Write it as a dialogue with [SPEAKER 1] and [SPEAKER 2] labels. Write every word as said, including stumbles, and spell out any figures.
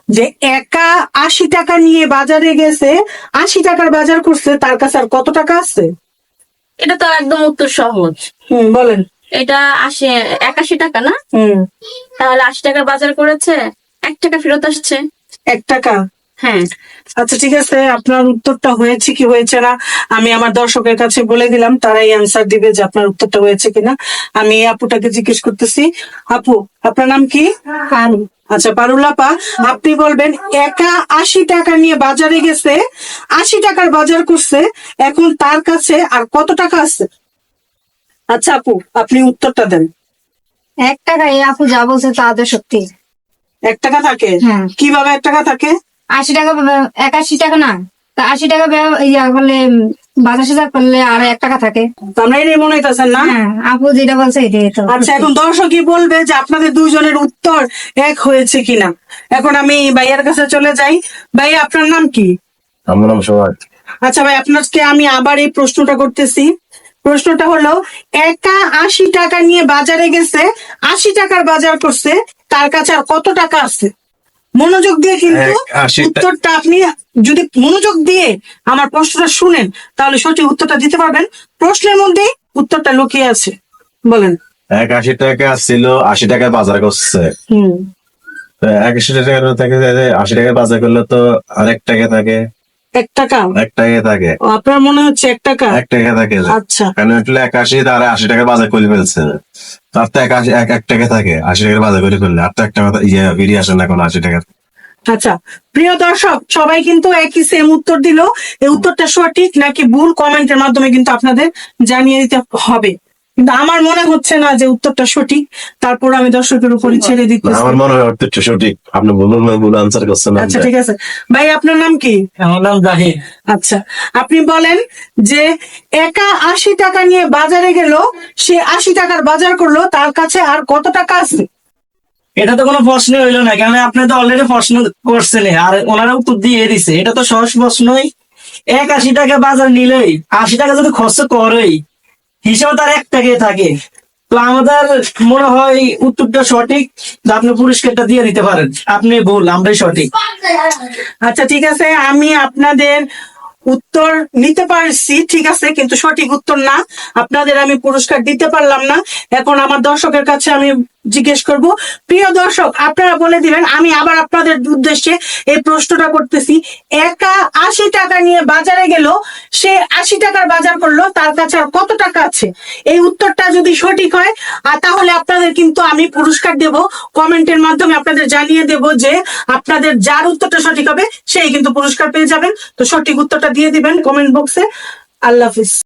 [SPEAKER 1] যে একা আশি টাকা নিয়ে বাজারে গেছে, আশি টাকার বাজার করছে, তার কাছে আর কত টাকা আছে?
[SPEAKER 2] এটা তো একদম উত্তর সহজ।
[SPEAKER 1] হুম, বলেন।
[SPEAKER 2] এটা আশি একাশি টাকা না?
[SPEAKER 1] হুম,
[SPEAKER 2] তাহলে আশি টাকার বাজার করেছে, এক টাকা ফেরত আসছে।
[SPEAKER 1] এক টাকা।
[SPEAKER 2] হ্যাঁ,
[SPEAKER 1] আচ্ছা ঠিক আছে, আপনার উত্তরটা হয়েছে কি হয়েছে না আমি আমার দর্শকের কাছে বলে দিলাম, তারাই অ্যান্সার দিবে যে আপনার উত্তরটা হয়েছে কিনা। আমি এই আপুটাকে জিজ্ঞেস করতেছি, আপু আপনার নাম কি? আচ্ছা পারুল আপা, আপনি বলবেন একা আশি টাকা নিয়ে বাজারে গেছে, আশি টাকার বাজার করছে, এখন তার কাছে আর কত টাকা আছে? আচ্ছা আপু আপনি উত্তরটা দেন।
[SPEAKER 3] এক টাকা, এই আপু যা বলছে তা তো সত্যি।
[SPEAKER 1] এক টাকা থাকে?
[SPEAKER 3] হ্যাঁ।
[SPEAKER 1] কিভাবে এক টাকা থাকে?
[SPEAKER 3] আশি টাকা ব্যব- একাশি টাকা না, তা আশি টাকা ব্যব- ইয়া করলে উম, বাজার সাজার করলে আর এক টাকা থাকে।
[SPEAKER 1] তো আমরা এটাই মনে হইতেছেন না?
[SPEAKER 3] হ্যাঁ, আপু যেটা বলছে এটাই তো।
[SPEAKER 1] আচ্ছা এখন দর্শকই বলবে যে আপনাদের দুইজনের উত্তর এক হয়েছে কিনা। এখন আমি ভাইয়ার কাছে চলে যাই। ভাই আপনার নাম কি?
[SPEAKER 4] আমার নাম সোহাগ।
[SPEAKER 1] আচ্ছা ভাই আপনাকে আমি আবার এই প্রশ্নটা করতেছি। প্রশ্নটা হলো, একা আশি টাকা নিয়ে বাজারে গেছে, আশি টাকার বাজার করছে, তার কাছে আর কত টাকা আছে? মনোযোগ দিয়ে কিন্তু
[SPEAKER 4] এক আশি টা-
[SPEAKER 1] উত্তরটা আপনি যদি মনোযোগ দিয়ে আমার প্রশ্নটা শুনেন তাহলে সঠিক উত্তরটা দিতে পারবেন। প্রশ্নের মধ্যেই উত্তরটা লুকিয়ে আছে, বলেন।
[SPEAKER 4] এক আশি টাকা ছিল, আশি টাকায় বাজার করছে।
[SPEAKER 1] হুম,
[SPEAKER 4] তো এক আশি টাকা থাকে, আশি টাকায় বাজার করলে তো আরেক টাকা থাকে,
[SPEAKER 1] এক টাকা।
[SPEAKER 4] এক টাকা থাকে,
[SPEAKER 1] ও, আপনার মনে হচ্ছে এক টাকা।
[SPEAKER 4] এক টাকা থাকে।
[SPEAKER 1] আচ্ছা
[SPEAKER 4] কারণ হচ্ছে একাশি তার আশি টাকার বাজার করে ফেলছে, তার তো একাশি এক এক টাকা থাকে, আশি টাকার বাজার করে ফেললে আর তো একটা কথা ইয়ে বেরিয়ে আসে না কোনো আশি টাকা।
[SPEAKER 1] আচ্ছা প্রিয় দর্শক, সবাই কিন্তু একই সেম উত্তর দিল। এই উত্তরটা সঠিক নাকি ভুল কমেন্টের মাধ্যমে কিন্তু আপনাদের জানিয়ে দিতে হবে, কিন্তু আমার মনে হচ্ছে না যে উত্তরটা সঠিক। তারপর আমি দর্শকের উপরে ছেড়ে
[SPEAKER 4] না,
[SPEAKER 1] দিতেছি।
[SPEAKER 4] আমার মনে হয় উত্তরটা সঠিক। আপনি বলুন না, ভুল আনসার করছেন না।
[SPEAKER 1] আচ্ছা ঠিক আছে ভাই, আপনার নাম কি?
[SPEAKER 5] আমার নাম জাহিদ।
[SPEAKER 1] আচ্ছা আপনি বলেন যে একা আশি টাকা নিয়ে বাজারে গেল, সে আশি টাকার বাজার করলো, তার কাছে আর কত টাকা আছে?
[SPEAKER 5] এটা তো কোনো প্রশ্ন হইলো না, কারণ আপনি তো অলরেডি প্রশ্ন করছেন আর ওনারা উত্তর দিয়ে দিছে। এটা তো সহজ প্রশ্নই। এক আশি টাকা বাজার নিলেই আশি টাকা যদি খরচ করেই হিসাবে তার এক টাকাই থাকে। তো আমাদের মনে হয় উত্তরটা সঠিক, তো আপনি পুরস্কারটা দিয়ে দিতে পারেন। আপনি ভুল, আমরাই সঠিক।
[SPEAKER 1] আচ্ছা ঠিক আছে, আমি আপনাদের উত্তর নিতে পারছি, ঠিক আছে, কিন্তু সঠিক উত্তর না, আপনাদের আমি পুরস্কার দিতে পারলাম না। এখন আমার দর্শকের কাছে আমি জিজ্ঞেস করব, প্রিয় দর্শক আপনারা বলে দিবেন, আমি আবার আপনাদের উদ্দেশ্যে এই প্রশ্নটা করতেছি। একা আশি টাকা নিয়ে বাজারে গেল, সে আশি টাকার বাজার করলো, তার কাছে আর কত টাকা আছে? এই উত্তরটা যদি সঠিক হয় আর তাহলে আপনাদের কিন্তু আমি পুরস্কার দেব, কমেন্টের মাধ্যমে আপনাদের জানিয়ে দেব যে আপনাদের যার উত্তরটা সঠিক হবে সেই কিন্তু পুরস্কার পেয়ে যাবেন। তো সঠিক উত্তরটা দিয়ে দিবেন কমেন্ট বক্সে। আল্লাহ হাফিজ।